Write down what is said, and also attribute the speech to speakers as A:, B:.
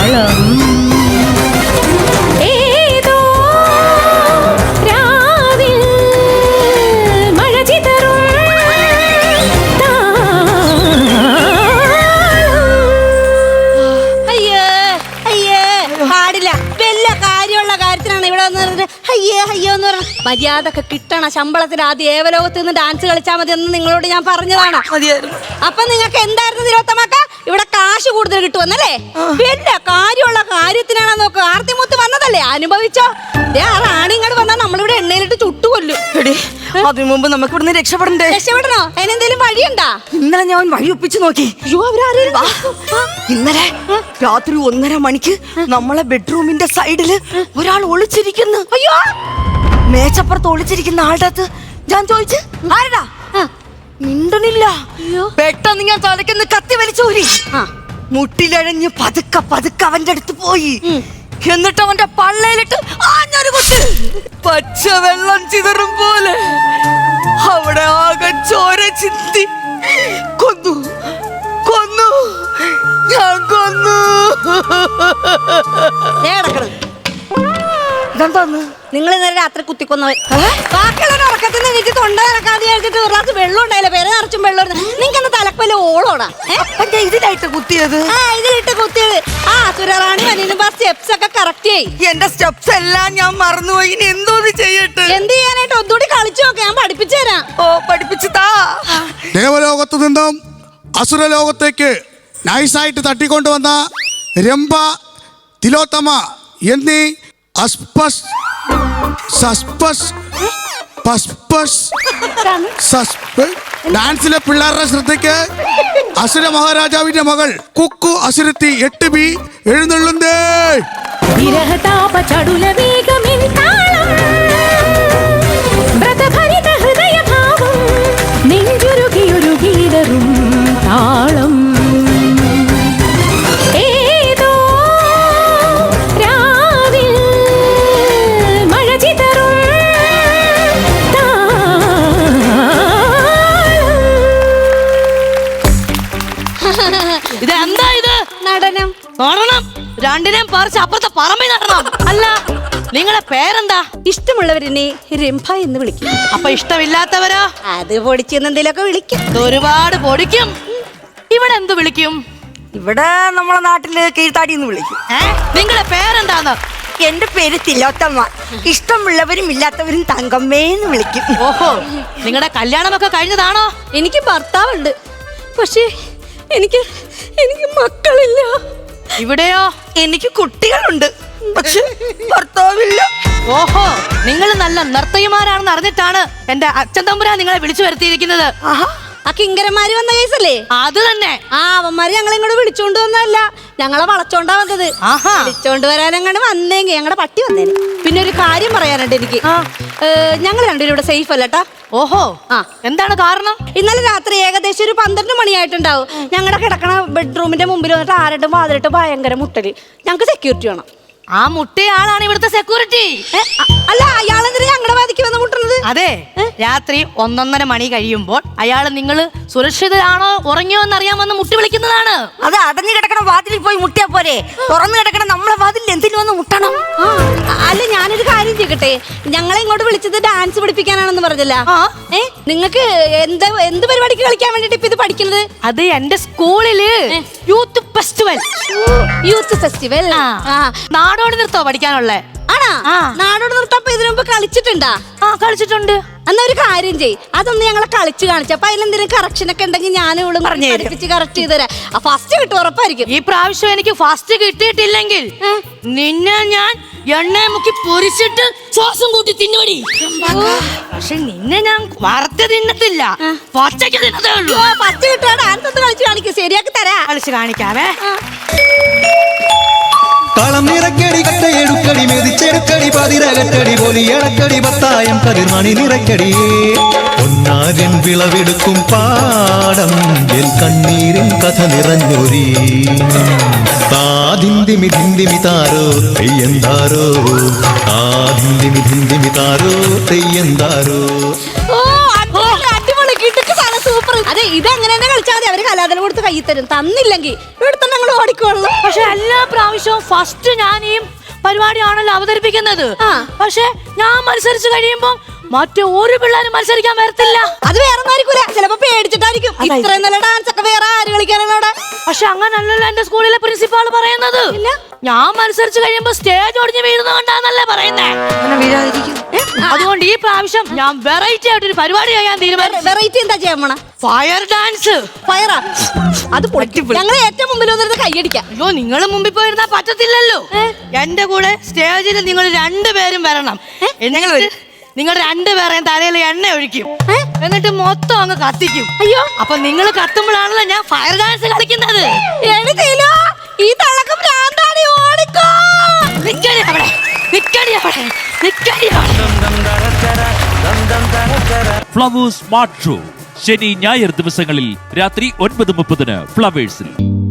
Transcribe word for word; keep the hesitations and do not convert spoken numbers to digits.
A: താളം ഏതോ രാവിൽ മഴ ചിതറും
B: അയ്യേ അയ്യേ പാടില്ല. വല്ല കാര്യമുള്ള കാര്യത്തിനാണ് ഇവിടെ വന്ന് അയ്യേ അയ്യോ എന്ന് പറഞ്ഞ മര്യാദ കിട്ടണം. ശമ്പളത്തിന് ആദ്യം ഏവലോകത്ത് നിന്ന് ഡാൻസ് കളിച്ചാൽ മതി എന്ന് നിങ്ങളോട് ഞാൻ പറഞ്ഞതാണ്. അപ്പൊ നിങ്ങൾക്ക് എന്തായിരുന്നു തിരുവത്തമാക്ക ഇവിടെ കാശ് കൂടുതൽ കിട്ടുമെന്നല്ലേ? വല്ല കാര്യമുള്ള കാര്യത്തിനാണോ നോക്ക്. ആർത്തിമുത്ത് വന്നതല്ലേ, അനുഭവിച്ചോ. റാണിങ്ങോട് വന്നാൽ നമ്മളിവിടെ എണ്ണയിലിട്ട് ചുട്ടുകൊല്ലും.
C: അതിനു മുമ്പ് നമുക്ക് ഇവിടുന്ന് രക്ഷപ്പെടണ്ടേ?
B: രക്ഷപ്പെടണോ? അതിനെന്തേലും വഴിയുണ്ടാ?
C: ഇന്നലെ ഞാൻ വഴി ഒപ്പിച്ചു നോക്കി. ഇന്നലെ രാത്രി ഒന്നര മണിക്ക് നമ്മളെ ബെഡ്റൂമിന്റെ സൈഡില് ഒരാൾ ഒളിച്ചിരിക്കുന്നു.
B: അയ്യോ,
C: മേച്ചപ്പുറത്ത് ഒളിച്ചിരിക്കുന്ന ആളുടെ അടുത്ത് ഞാൻ ചോദിച്ചു ആരടാ, മിണ്ടണില്ല. പെട്ടെന്ന് ഞാൻ തലയ്ക്കൊന്ന് കത്തി വലിച്ചൂരി മുട്ടിലഴഞ്ഞ് പതുക്കെ പതുക്കെ അവന്റെ അടുത്ത് പോയി. എന്നിട്ട് അവന്റെ പള്ളയിലിട്ട് ആഞ്ഞൊരു കുത്ത്, പച്ച വെള്ളം ചിതറും പോലെ അവിടെ ആകെ ചോര ചിന്തി. കൊന്നു കൊന്നു ഞാൻ കൊന്നു. ഇതെന്താന്ന്?
B: നിങ്ങൾ ഇന്നലെ രാത്രി കുത്തിക്കൊന്നവൻ. ബാക്കിയുള്ള ഉറക്കത്തിൽ നിന്ന് തൊണ്ട ഇറക്കാതെ കഴിച്ചിട്ട് ഒരു ഗ്ലാസ് വെള്ളം ഉണ്ടായില്ല, പേര് നിറച്ചും വെള്ളം. നിങ്ങൾക്ക് തലക്കല്ല ഓളോടാ
C: ഇതിലായിട്ട് കുത്തിയത്?
B: ആ ഇതിലിട്ട് കുത്തിയത്. ആ സുരറാണി വന്നിരുമ്പോ സ്റ്റെപ്സ് ഒക്കെ കറക്റ്റ് ചെയ്യും.
C: എന്റെ സ്റ്റെപ്സ് എല്ലാം ഞാൻ മറന്നുപോയി. ഇനി എന്തോന്ന് ചെയ്യട്ടെ?
B: എന്ത് ചെയ്യാനായിട്ട് ഒന്നുകൂടി കളിച്ചു നോക്കെ, ഞാൻ പഠിപ്പിച്ചു തരാം.
C: ഓ പഠിപ്പിച്ചു താ.
D: ദേവലോകത്തു നിന്നും അസുരലോകത്തേക്ക് നൈസായിട്ട് തട്ടിക്കൊണ്ടുവന്ന രംഭ, തിലോത്തമ എന്നീ അസ്പസ് സസ്പസ് പസ്പസ് സസ്പ ഡാൻസിലെ പിള്ളേരുടെ ശ്രദ്ധയ്ക്ക് അസുര മഹാരാജാവിന്റെ മകൾ കുക്കു അസുരത്തി എട്ട് ബി എഴുന്നള്ളുന്നേ.
A: വിരഹതാപ ചടുല വേഗമിൻ താളം വ്രതഭരിത ഹൃദയഭാവം നെഞ്ചുരുകിയുരുകിയിടറും താളം ഏതോ രാവിൽ മഴ ചിതറും
C: ഇതെന്താ ഇത്?
B: നടനം.
C: നടണം? രണ്ടിനെയും പറിച്ച് അപ്പുറത്തെ പറമ്പിൽ നടണം. അല്ല, നിങ്ങളെ പേരെന്താ?
B: ഇഷ്ടമുള്ളവരെന്നെ രംഭ എന്ന് വിളിക്കും.
C: അപ്പൊ ഇഷ്ടമില്ലാത്തവരോ?
B: അത് പൊടിച്ചെന്നെന്തെങ്കിലുമൊക്കെ വിളിക്കും.
C: ഒരുപാട് പൊടിക്കും. ഇവിടെ എന്ത് വിളിക്കും? ഇവിടെ നമ്മളെ നാട്ടില് കീഴ്ത്താടി എന്ന് വിളിക്കും. നിങ്ങളെ പേരെന്താന്ന്? എന്റെ പേര് തിലോത്തമ്മ. ഇഷ്ടമുള്ളവരും ഇല്ലാത്തവരും തങ്കമ്മേന്ന് വിളിക്കും. ഓഹോ, നിങ്ങളുടെ കല്യാണമൊക്കെ കഴിഞ്ഞതാണോ?
B: എനിക്ക് ഭർത്താവുണ്ട്, പക്ഷേ എനിക്ക് എനിക്ക് മക്കളില്ല.
C: ഇവിടെയോ? എനിക്ക് കുട്ടികളുണ്ട്, പക്ഷെ ഭർത്താവില്ല. ഓഹോ, നിങ്ങൾ നല്ല നർത്തകിമാരാണെന്ന് അറിഞ്ഞിട്ടാണ് എന്റെ അച്ഛൻ തമ്പുരാൻ നിങ്ങളെ വിളിച്ചു വരുത്തിയിരിക്കുന്നത്.
B: ആ കിങ്കരന്മാര് വന്ന കേസല്ലേ?
C: അത് തന്നെ.
B: ആ അവന്മാര് ഞങ്ങളെ ഇങ്ങോട്ട് വിളിച്ചോണ്ട് വന്നതല്ല, ഞങ്ങളെ വളച്ചോണ്ടാ വന്നത്. വിളിച്ചോണ്ട് വരാനങ്ങാണ്ട് വന്നെങ്കിൽ ഞങ്ങളുടെ പട്ടി വന്നേനെ. പിന്നെ ഒരു കാര്യം പറയാനുണ്ട് എനിക്ക്. ഞങ്ങൾ രണ്ടുപേരും ഇവിടെ സേഫ് അല്ലട്ടാ.
C: ഓഹോ, ആ എന്താണ് കാരണം?
B: ഇന്നലെ രാത്രി ഏകദേശം ഒരു പന്ത്രണ്ട് മണിയായിട്ടുണ്ടാവും. ഞങ്ങളുടെ കിടക്കണ ബെഡ്റൂമിന്റെ മുമ്പിൽ വന്നിട്ട് ആരട്ടും വാതിലിട്ട് ഭയങ്കര മുട്ടല്. ഞങ്ങൾക്ക് സെക്യൂരിറ്റി വേണം.
C: ആ മുട്ടയാളാണ് ഇവിടുത്തെ സെക്യൂരിറ്റി.
B: അല്ല, അയാളെന്തിനാ ഞങ്ങളുടെ വാതിക്ക് വന്ന് മുട്ടുന്നത്?
C: അതെ, രാത്രി ഒന്നൊന്നര മണി കഴിയുമ്പോൾ അയാൾ നിങ്ങൾ സുരക്ഷിതരാണോ ഉറങ്ങിയോ എന്ന് അറിയാമെന്ന് മുട്ടി വിളിക്കുന്നതാണ്. അത് അടഞ്ഞു കിടക്കണ വാതിലിൽ പോയി മുട്ടിയാ പോരെ? തുറന്നു കിടക്കണ നമ്മളെ വാതിൽ എന്തിനു വന്ന് മുട്ടണം?
B: അല്ല, ഞാനൊരു കാര്യം ചെയ്യട്ടെ. ഞങ്ങളെ ഇങ്ങോട്ട് വിളിച്ചത് ഡാൻസ് പഠിപ്പിക്കാനാണെന്ന് പറഞ്ഞല്ല? ഏ നിങ്ങൾക്ക് എന്ത് എന്ത് പരിപാടിക്ക് കളിക്കാൻ വേണ്ടിട്ട് ഇപ്പൊ ഇത് പഠിക്കുന്നത്?
C: അത് എന്റെ സ്കൂളില് യൂത്ത് ഫെസ്റ്റിവൽ.
B: യൂത്ത് ഫെസ്റ്റിവൽ
C: നാടോടി നൃത്തോ പഠിക്കാനുള്ളേ?
B: ആണാ? നാടോടി നൃത്തം ഇതിനു മുമ്പ് കളിച്ചിട്ടുണ്ടാ?
C: ആ കളിച്ചിട്ടുണ്ട്.
B: എന്നാ ഒരു കാര്യം ചെയ്, അതൊന്ന് ഞങ്ങളെ കളിച്ച് കാണിച്ചു. അപ്പൊ അതിലെന്തെങ്കിലും കറക്ഷൻ ഒക്കെ ഉണ്ടെങ്കിൽ ഞാൻ ഇവളും പഠിപ്പിച്ച് കറക്റ്റ് ചെയ്ത് തരാം. ഫസ്റ്റ് കിട്ടും, ഉറപ്പായിരിക്കും.
C: ഈ പ്രാവശ്യം എനിക്ക് ഫസ്റ്റ് കിട്ടിയിട്ടില്ലെങ്കിൽ നിന്നെ ഞാൻ എണ്ണ മുക്കി പൊരിച്ചിട്ട് ശ്വാസം കൂട്ടി തിന്നുപടി. പക്ഷെ നിന്നെ ഞാൻ വറുത്ത് തിന്നത്തില്ല, പച്ചക്ക് തിന്നതേ ഉള്ളൂ.
B: ഫസ്റ്റ് കിട്ടുക ഡാൻസ് ഒന്ന് കളിച്ച് കാണിക്കും, ശരിയാക്കി തരാ.
C: കളിച്ച് കാണിക്കാവേ.
E: കളം നിറക്കടി കട്ടയെടുക്കടി മെതിച്ചെടുക്കടി പതിരകട്ടടി പൊലിയടക്കടി പത്തായം കതിർമണി നിറക്കടി ഒന്നാരൻ വിളവെടുക്കും പാടം എൽ കണ്ണീരിൻ കഥ നിറഞ്ഞൊരി താതിന്തിമി ധിന്തിമി താരോ തെയ്യന്താരോ താതിന്തിമി ധിന്തിമി താരോ തെയ്യന്താരോ.
B: അടിപൊളി, കിട്ടുക്ക് സാധനം, സൂപ്പർ. അതെ, ഇത് അങ്ങനെ തന്നെ കളിച്ചാൽ മതി. അവര് കലാതല കൊടുത്ത് കൈ തരും. തന്നില്ലെങ്കിൽ ഇവിടെ തന്നെ ഞങ്ങൾ ഓടിക്കോളൂ.
C: പക്ഷെ എല്ലാ പ്രാവശ്യവും ഫസ്റ്റ് ഞാൻ ഈ പരിപാടിയാണല്ലോ അവതരിപ്പിക്കുന്നത്. പക്ഷെ ഞാൻ മത്സരിച്ച് കഴിയുമ്പോ മറ്റു ഒരു പിള്ളേരും മത്സരിക്കാൻ വരത്തില്ല.
B: അത് വേറെ ആയിരിക്കൂല, ചിലപ്പോ പേടിച്ചിട്ടായിരിക്കും. ഇത്രയും നല്ല ഡാൻസ് ഒക്കെ വേറെ ആര് കളിക്കാനാണ് അവിടെ?
C: പക്ഷെ അങ്ങനല്ലല്ലോ എന്റെ സ്കൂളിലെ പ്രിൻസിപ്പാൾ പറയുന്നത്. ഞാൻ മത്സരിച്ച് കഴിയുമ്പോ സ്റ്റേജ് ഒടിഞ്ഞ് വീഴുന്ന കൊണ്ടാന്നല്ലേ പറയുന്നേ. അതുകൊണ്ട് ഈ പ്രാവശ്യം ഞാൻ വെറൈറ്റി ആയിട്ട് ഒരു പരിപാടി ചെയ്യാൻ തീരുമാനിച്ചു.
B: വെറൈറ്റി എന്താ ചെയ്യാൻ പോണ?
C: Fire dance.
B: ഫയറാ? അത് ഞങ്ങൾ ഏറ്റവും മുമ്പിൽ വന്നിരുന്ന് കൈയടിക്കാം.
C: അയ്യോ, നിങ്ങൾ മുമ്പിൽ പോയിരുന്നാ പറ്റത്തില്ലല്ലോ. എന്റെ കൂടെ സ്റ്റേജിൽ നിങ്ങൾ രണ്ടുപേരും വരണം. എന്നിട്ട് നിങ്ങൾ രണ്ടുപേരെയും തലയിൽ എണ്ണ ഒഴിക്കും, എന്നിട്ട് മൊത്തം അങ്ങ് കത്തിക്കും.
B: അയ്യോ,
C: അപ്പൊ നിങ്ങൾ കത്തുമ്പോഴാണല്ലോ ഞാൻ ഫയർ ഡാൻസ് കളിക്കുന്നത്.
B: ഈ തളക്കം ഭ്രാന്താടി, ഓടിക്കോ.
C: നിക്കടി അവിടെ, നിക്കടി അവിടെ, നിക്കടി അവിടെ.
F: ഫ്ലവേഴ്സ് സ്മാർട്ട് ഷോ ശനി ഞായർ ദിവസങ്ങളിൽ രാത്രി ഒൻപത് മുപ്പതിന് ഫ്ലവേഴ്സിൽ.